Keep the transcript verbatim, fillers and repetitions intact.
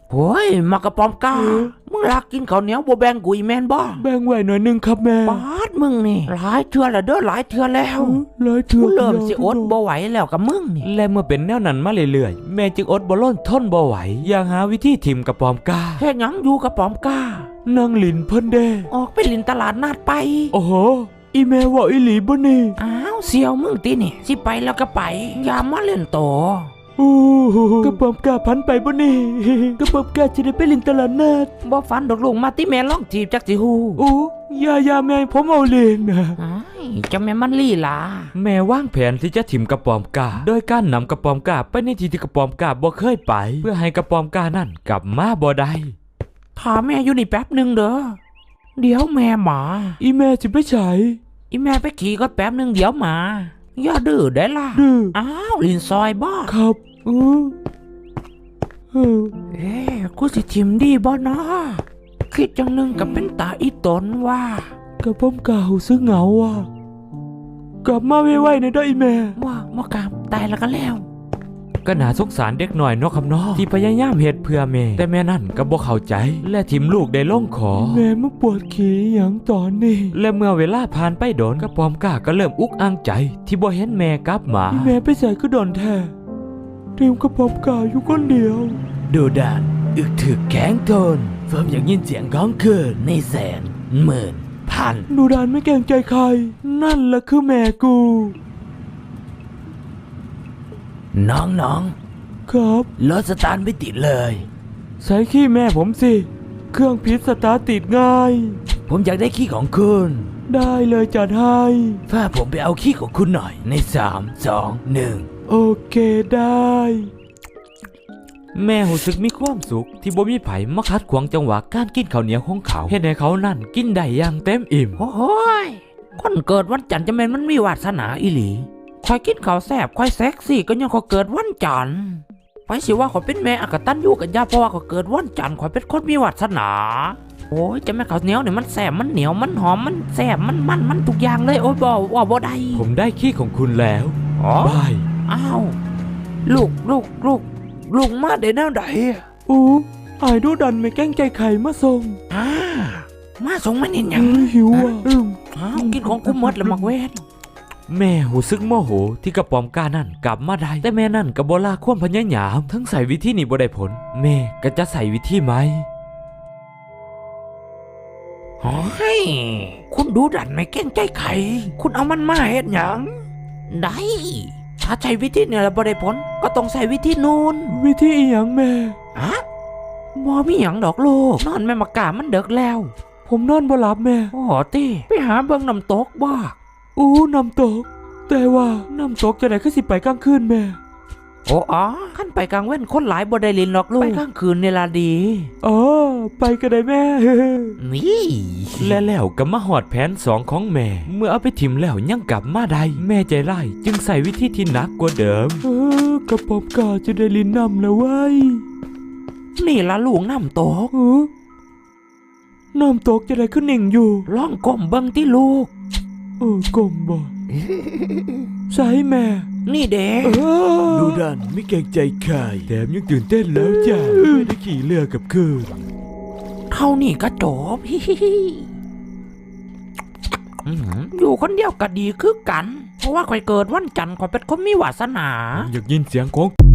โอ้ยมากระป๋อมก้ามึงรักกินข้าวเหนียวบ่แบ่งกูอีแมนบ่แบ่งไว้หน่อยนึงครับแม่ปาดมึงนี่หลายเทื่อแล้วเด้อหลายเทื่อแล้วหลายเทื่อกูเริ่มสิอดบ่ไหวแล้วกับมึงนี่และเมื่อเป็นแนวนั้นมาเรื่อยๆแม่จึงอดบ่ล้นทนบ่ไหวอยากหาวิธีถิ่มกระป๋อมก้าเฮ็ดหยังอยู่กระป๋อมก้านั่งลินเพิ่นเด้ออกไปลินตลาดนัดไปโอ้โหอีแม่ว่าอีหลีบ่นี่อ้าวเสี่ยวมึงตินี่สิไปแล้วก็ไปอย่ามาเล่นโตอู้กระป๋อมก้าพันไปบ่นี่กระป๋อมก้าจะได้ไปลินตลาดนัดบ่ฝันดอกลูกมาติแม่ลองจีบจักสิฮู้อู้ยายาแม่ผมเอาเล่นนะอ้ายจะแม่มันลี่ล่ะแม่วางแผนที่จะถิ่มกระป๋อมก้าโดยการนำกระป๋อมก้าไปในที่ที่กระป๋อมก้าบ่เคยไปเพื่อให้กระป๋อมก้านั่นกลับมาบ่ได้ถามแม่อยู่นี่แป๊บนึงเด้อเดี๋ยวแม่มาอีแม่จะไปใช้อีแม่ไปขี่ก็แป๊บนึงเดี๋ยวมาอย่าดื้อได้ล่ะดื้ออ้าวลินซอยบ่ครับอือเอ๊ะกูสิทิมดีบ่เนาะคิดจังนึงกับเป็นตาอีตนว่ากระป๋อมก้าหูซึ้งเหงาว่ะกลับมาไวๆนะเด้ออีแม่ว่าบ่กลับตายแล้วก็แล้วก็น่าสงสารเด็กหน่อยเนาะครับเนาะที่พยายามเฮ็ดเพื่อแม่แต่แม่นั่นก็บ่เข้าใจและทิมลูกได้ลงขอแม่มาปวดขี้หยังตอนนี้และเมื่อเวลาผ่านไปโดนกระป๋อมก้าก็เริ่มอุกอังใจที่บ่เห็นแม่กลับมาแม่ไปใส่ก็โดนแท้ทีมกระป๋อมก้าอยู่คนเดียวดูดานอึกถึกแข็งทนเฟิร์มอยากยินเสียงก้องคืนในแสนหมื่นพันดูดานไม่เกรงใจใครนั่นแหละคือแม่กูน้องๆครับรถสตาร์ทไม่ติดเลยใส่ขี้แม่ผมสิเครื่องพิษสตาร์ทติดง่ายผมอยากได้ขี้ของคุณได้เลยจัดให้ถ้าผมไปเอาขี้ของคุณหน่อยในสามสองหนึ่งโอเคได้แม่รู้สึกมีความสุขที่บ่มีไผมาขัดขวางจังหวะการกินข้าวเหนียวของเขาเฮ็ดให้เขานั่นกินได้อย่างเต็มอิ่มโอ้ยคนเกิดวันจันทร์จะแม่นมันมีวาสนาอีหลีคอยกินข้าวแซ่บคอยเซ็กซี่ก็ยังขอเกิดวันจันทร์ไปสิว่าขอเป็นแม่อกตันอยู่กับย่าเพราะว่าขอเกิดวันจันทร์ขอเป็นคนมีวาสนาโอ้ยจะแม่ข้าวเหนียวเนี่ยมันแซ่บมันเหนียวมันหอมมันแซ่บมันมันมันทุกอย่างเลยโอ้ยบ่ว่าบ่ได้ผมได้ขี้ของคุณแล้วอ๋อบายอ้าวลูกลูกลูกลูกมาได้แนวใดอู้อายดูดันไม่แกล้งใจไข่มาส่งอ่ามาส่งมันนี่ยังหิวอ่ะอืมอ้าวกินของกูหมดแล้วมักเวทแม่หูซึกโมโหที่กระป๋อมก้านั่นกลับมาได้แต่แม่นั่นก็บ่ละความพยายามทั้งใส่วิธีนี้บ่ได้ผลแม่ก็จะใส่วิธีไหมโอ้ยคุณดูดันไม่เก่งใจใครคุณเอามันมาเฮ็ดหยังได้ถ้าใช้วิธีเนี่ยแล้วบ่ได้ผลก็ต้องใส่วิธีนูนวิธีอีหยังแม่ฮะบ่มีหยังดอกลูกนอนแม่มากามันเดึกแล้วผมนอนบ่หลับแม่โอ้ติไปหาเบิ่งน้ำตกบ่อู้น้ำตกแต่ว่าน้ำตกจะไหนคือสิไปกลางคืนแม่โอ้อ๋อขั้นไปกลางเว้นคนหลายบ่ได้ลินหรอกลูกไปกลางคืนนี่ล่ะดีอ๋อไปก็ได้แม่นี่และแล้วก็มาหอดแผนสองของแม่เมื่อเอาไปถิ่มแล้วยังกลับมาได้แม่ใจร้ายจึงใส่วิธีที่หนักกว่าเดิมเออกระป๋อมก้าจะได้ลินน้ำแล้วเว้ยนี่ล่ะลูกน้ำตกน้ำตกจะได้ขึ้นหนิ่งอยู่ลองก้มเบิ่งที่ลูกเออก้มบ่ใช่แม่นี่เด็กดูดันไม่เกรงใจใครแถมยังตื่นเต้นแล้วจ้ะไม่ได้ขี่เรือกับคืนเท่านี้ก็จบอยู่คนเดียวก็ดีคือกันเพราะว่าคอยเกิดวันจันทร์คอยเป็นคนมีวาสนาอยากยินเสียงของ